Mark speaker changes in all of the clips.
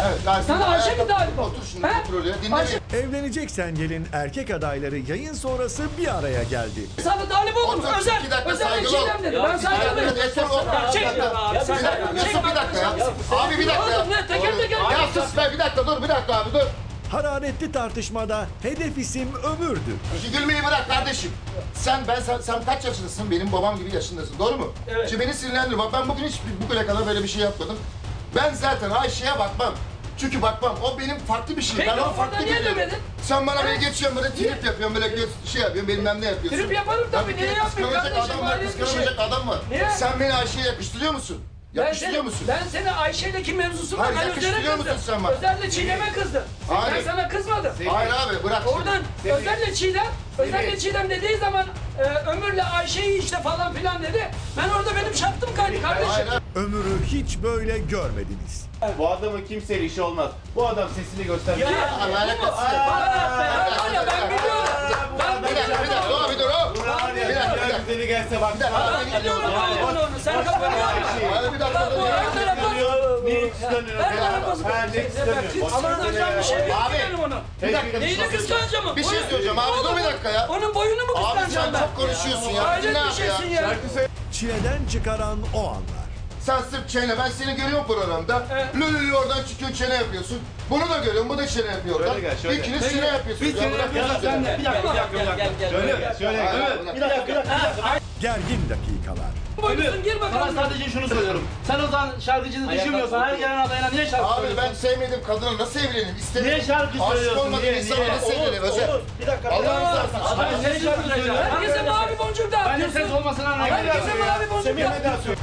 Speaker 1: Evet, ben
Speaker 2: Sana Ayşe mi talip ol?
Speaker 1: Otur şimdi,
Speaker 2: He?
Speaker 1: otur oraya. Dinle
Speaker 2: Ayşe-
Speaker 1: beni.
Speaker 3: Evleneceksen gelin erkek adayları yayın sonrası bir araya geldi.
Speaker 2: Sana talip oldum.
Speaker 1: Otur,
Speaker 2: Özel.
Speaker 1: 2 dakika
Speaker 2: Özel
Speaker 1: saygılı ol.
Speaker 2: Çiğdem dedi. Ben saygılıyım. Çek.
Speaker 1: Yusuf bir dakika ya. Abi bir dakika ya.
Speaker 2: Oğlum ne? Teker teker.
Speaker 1: Ya sus be, bir dakika dur, bir dakika abi dur.
Speaker 3: Hararetli tartışmada hedef isim Ömür'dü.
Speaker 1: Şu gülmeyi bırak kardeşim. Sen kaç yaşındasın? Benim babam gibi yaşındasın. Doğru mu?
Speaker 2: Evet.
Speaker 1: Şimdi beni sinirlendir. Bak ben bugün hiç bugüne kadar böyle bir şey yapmadım. Ben zaten Ayşe'ye bakmam. Çünkü bakmam. O benim farklı bir şey.
Speaker 2: Peki,
Speaker 1: Ben onu
Speaker 2: orada
Speaker 1: farklı
Speaker 2: niye
Speaker 1: görüyorum.
Speaker 2: demedin?
Speaker 1: Sen bana böyle
Speaker 2: He?
Speaker 1: geçiyorsun, böyle trip yapıyorsun, böyle şey yapıyorsun, bilmem ne yapıyorsun.
Speaker 2: Trip yaparım tabii, niye yapmayayım
Speaker 1: Kıskanacak
Speaker 2: kardeşim,
Speaker 1: adam var,
Speaker 2: ayrı bir şey.
Speaker 1: kıskanacak adam var.
Speaker 2: Niye?
Speaker 1: Sen beni Ayşe'ye yakıştırıyor musun? Yakıştırıyor musun?
Speaker 2: Ben seni Ayşe'yleki mevzusunda
Speaker 1: Hayır,
Speaker 2: ben
Speaker 1: yakıştırıyor
Speaker 2: Özer'e
Speaker 1: musun
Speaker 2: kızdım.
Speaker 1: sen bana?
Speaker 2: Özer'le Çiğdem'e kızdım.
Speaker 1: Hayır.
Speaker 2: Ben sana kızmadım.
Speaker 1: Hayır abi, bırak şimdi.
Speaker 2: Oradan Özer'le Çiğdem, Özer'le Çiğdem dediği zaman Ömür'le Ayşe'yi işte falan filan dedi. Ben orada benim şartım kaydı kardeşim.
Speaker 1: Hayır abi.
Speaker 3: Ömür'ü hiç böyle görmediniz.
Speaker 4: Bu adamın kimseyle işi olmaz. Bu adam sesini göstermiyor.
Speaker 1: Allah alakası yok.
Speaker 2: Var ya ben biliyorum. Ben
Speaker 1: Bir dakika, bir dakika, dur, bir dur. Bir dakika, bir dakika.
Speaker 4: Güzeli gelse bak.
Speaker 2: Ben biliyorum onu. Sen kafanı yorma.
Speaker 1: Hayır, bir dakika, dur.
Speaker 2: Bu her tarafa...
Speaker 4: Niye kıskanıyorsun?
Speaker 2: Her tarafa...
Speaker 4: Ha, ne kıskanıyorsun?
Speaker 2: Ama kıskanacağım bir şey yok
Speaker 1: Abi,
Speaker 2: benim onu.
Speaker 1: Bir dakika,
Speaker 2: Neyini kıskanacağım?
Speaker 1: Bir şey söyleyeceğim abi, dur bir dakika ya.
Speaker 2: Onun boyunu mu
Speaker 1: Abi
Speaker 2: kıskanacağım
Speaker 1: sen
Speaker 2: ben?
Speaker 1: çok konuşuyorsun ya.
Speaker 2: Hayret
Speaker 1: Dinle
Speaker 2: bir
Speaker 1: abi
Speaker 2: şeysin
Speaker 1: ya.
Speaker 2: ya.
Speaker 3: Çileden çıkaran o anlar.
Speaker 1: Sen sırf çene, ben seni görüyorum programda.
Speaker 2: Evet.
Speaker 1: Lülülü oradan çıkıyor, çene yapıyorsun. Bunu da görüyorum, bu da çene yapıyor oradan.
Speaker 4: Şöyle gel, şöyle.
Speaker 1: İkiniz çene yapıyorsunuz.
Speaker 4: Bir çene yapıyorsun sen de.
Speaker 2: Bir dakika.
Speaker 4: Şöyle.
Speaker 1: Bir dakika.
Speaker 3: Gergin dakikalar.
Speaker 2: Boynusun gir
Speaker 5: Sana
Speaker 2: bakalım.
Speaker 5: sadece şunu söylüyorum. Sen o zaman şarkıcını düşünmüyorsan her gelen adayına niye şarkı
Speaker 1: Abi
Speaker 5: söylüyorsun?
Speaker 1: ben sevmediğim kadına nasıl evleneyim? İstemiyorum.
Speaker 5: Niye şarkı
Speaker 1: Aşık
Speaker 5: söylüyorsun?
Speaker 1: olmadığım
Speaker 5: Niye?
Speaker 1: insana nasıl evleneyim Özel?
Speaker 5: Bir dakika.
Speaker 1: Allah'ın rızası için.
Speaker 5: Ben niye şarkı söylüyorum?
Speaker 2: Herkese mavi boncuk
Speaker 5: Benim
Speaker 2: dağıtıyorsun.
Speaker 5: ses olmasına rağmen.
Speaker 2: Herkese mavi boncuk dağıtıyorsun.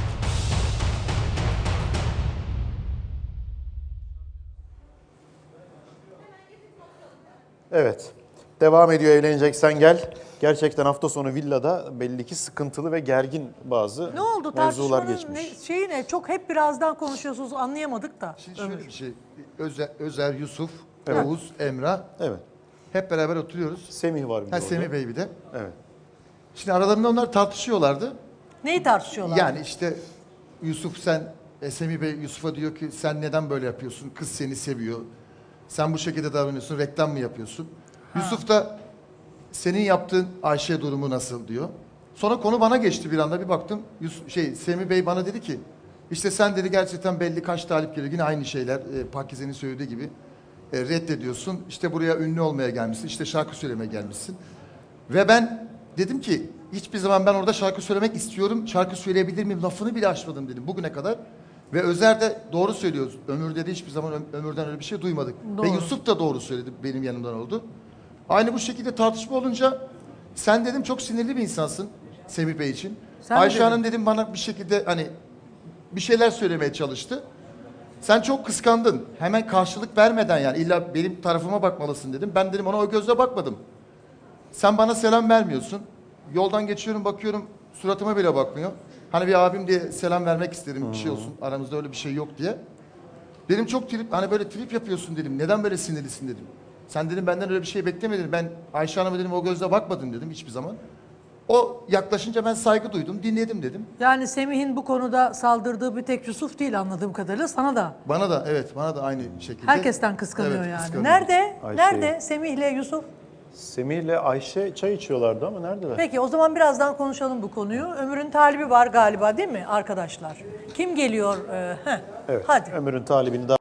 Speaker 6: Evet. Devam ediyor Evleneceksen Gel. Gerçekten hafta sonu villada belli ki sıkıntılı ve gergin bazı
Speaker 7: Ne oldu
Speaker 6: mevzular
Speaker 7: tartışmanın
Speaker 6: geçmiş.
Speaker 7: şeyi ne? Çok hep birazdan konuşuyorsunuz anlayamadık da.
Speaker 8: Şimdi şöyle bir şey. Özer, Yusuf,
Speaker 6: Evet.
Speaker 8: Oğuz, Emrah
Speaker 6: Evet.
Speaker 8: hep beraber oturuyoruz.
Speaker 6: Semih var bir de
Speaker 8: Ha
Speaker 6: orada.
Speaker 8: Semih Bey bir de.
Speaker 6: Evet.
Speaker 8: Şimdi aralarında onlar tartışıyorlardı.
Speaker 7: Neyi tartışıyorlar?
Speaker 8: Yani işte Yusuf Semih Bey Yusuf'a diyor ki sen neden böyle yapıyorsun? Kız seni seviyor. Sen bu şekilde davranıyorsun. Reklam mı yapıyorsun? Yusuf da senin yaptığın Ayşe durumu nasıl diyor. Sonra konu bana geçti bir anda bir baktım. Semih Bey bana dedi ki işte sen dedi gerçekten belli kaç talip geliyor. Yine aynı şeyler Pakize'nin söylediği gibi. Reddediyorsun. İşte buraya ünlü olmaya gelmişsin. İşte şarkı söylemeye gelmişsin. Ve ben dedim ki hiçbir zaman ben orada şarkı söylemek istiyorum. Şarkı söyleyebilir miyim? Lafını bile açmadım dedim bugüne kadar. Ve Özer de doğru söylüyor. Ömür dedi hiçbir zaman Ömür'den öyle bir şey duymadık.
Speaker 7: Doğru.
Speaker 8: Ve Yusuf da doğru söyledi benim yanımdan oldu. Aynı bu şekilde tartışma olunca sen dedim çok sinirli bir insansın Semih Bey için.
Speaker 7: Sen mi
Speaker 8: Ayşe
Speaker 7: dedin?
Speaker 8: Hanım dedim bana bir şekilde hani bir şeyler söylemeye çalıştı. Sen çok kıskandın. Hemen karşılık vermeden yani illa benim tarafıma bakmalısın dedim. Ben dedim ona o gözle bakmadım. Sen bana selam vermiyorsun. Yoldan geçiyorum bakıyorum suratıma bile bakmıyor. Hani bir abim diye selam vermek isterim bir şey olsun. Aramızda öyle bir şey yok diye. Dedim çok trip hani böyle trip yapıyorsun dedim. Neden böyle sinirlisin dedim. Sen dedim benden öyle bir şey beklemedin. Ben Ayşe Hanım'a dedim o gözle bakmadım dedim hiçbir zaman. O yaklaşınca ben saygı duydum, dinledim dedim.
Speaker 7: Yani Semih'in bu konuda saldırdığı bir tek Yusuf değil anladığım kadarıyla sana da.
Speaker 8: Bana da evet, bana da aynı şekilde.
Speaker 7: Herkesten kıskanıyor
Speaker 8: Evet,
Speaker 7: yani.
Speaker 8: kıskanıyor.
Speaker 7: Nerede?
Speaker 6: Ayşe'yi.
Speaker 7: Nerede Semih'le Yusuf?
Speaker 6: Semih'le Ayşe çay içiyorlardı ama neredeler?
Speaker 7: Peki o zaman birazdan konuşalım bu konuyu. Ömür'ün talibi var galiba değil mi arkadaşlar? Kim geliyor?
Speaker 6: Evet.
Speaker 7: Hadi.
Speaker 6: Ömür'ün talibini